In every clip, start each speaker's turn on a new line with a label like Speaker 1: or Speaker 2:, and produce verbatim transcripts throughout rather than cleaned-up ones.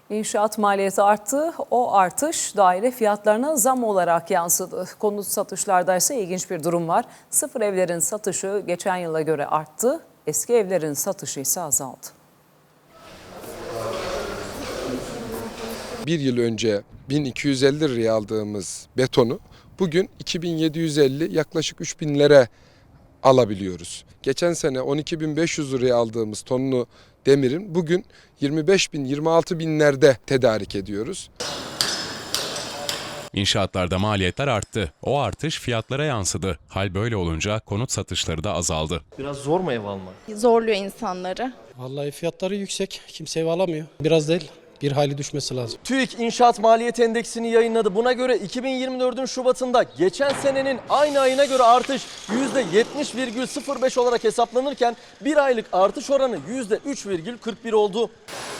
Speaker 1: İnşaat maliyeti arttı. O artış daire fiyatlarına zam olarak yansıdı. Konut satışlarda ise ilginç bir durum var. Sıfır evlerin satışı geçen yıla göre arttı. Eski evlerin satışı ise azaldı.
Speaker 2: Bir yıl önce bin iki yüz elli liraya aldığımız betonu bugün iki bin yedi yüz elli, yaklaşık üç binlere alabiliyoruz. Geçen sene on iki bin beş yüz liraya aldığımız tonlu demirin bugün yirmi beş bin yirmi altı binlerde tedarik ediyoruz.
Speaker 3: İnşaatlarda maliyetler arttı. O artış fiyatlara yansıdı. Hal böyle olunca konut satışları da azaldı.
Speaker 4: Biraz zor mu ev almak?
Speaker 5: Zorluyor insanları.
Speaker 6: Vallahi fiyatları yüksek. Kimse ev alamıyor. Biraz değil, bir hayli düşmesi lazım.
Speaker 4: TÜİK İnşaat Maliyet Endeksini yayınladı. Buna göre iki bin yirmi dördün Şubat'ında geçen senenin aynı ayına göre artış yüzde yetmiş virgül sıfır beş olarak hesaplanırken bir aylık artış oranı yüzde üç virgül kırk bir oldu.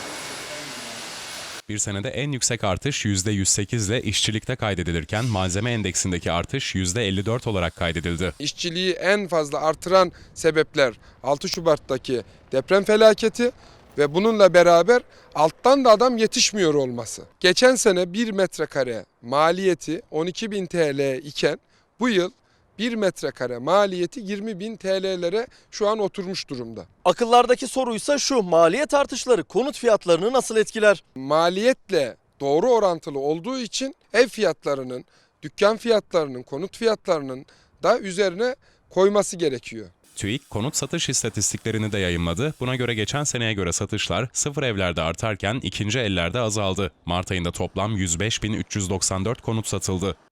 Speaker 3: Bir senede en yüksek artış yüzde yüz sekiz ile işçilikte kaydedilirken malzeme endeksindeki artış yüzde elli dört olarak kaydedildi.
Speaker 2: İşçiliği en fazla artıran sebepler altı Şubat'taki deprem felaketi ve bununla beraber alttan da adam yetişmiyor olması. Geçen sene bir metrekare maliyeti on iki bin T L iken bu yıl bir metrekare maliyeti yirmi bin T L'lere şu an oturmuş durumda.
Speaker 4: Akıllardaki soruysa şu: maliyet artışları konut fiyatlarını nasıl etkiler?
Speaker 2: Maliyetle doğru orantılı olduğu için ev fiyatlarının, dükkan fiyatlarının, konut fiyatlarının da üzerine koyması gerekiyor.
Speaker 3: TÜİK konut satış istatistiklerini de yayımladı. Buna göre geçen seneye göre satışlar sıfır evlerde artarken ikinci ellerde azaldı. Mart ayında toplam yüz beş bin üç yüz doksan dört konut satıldı.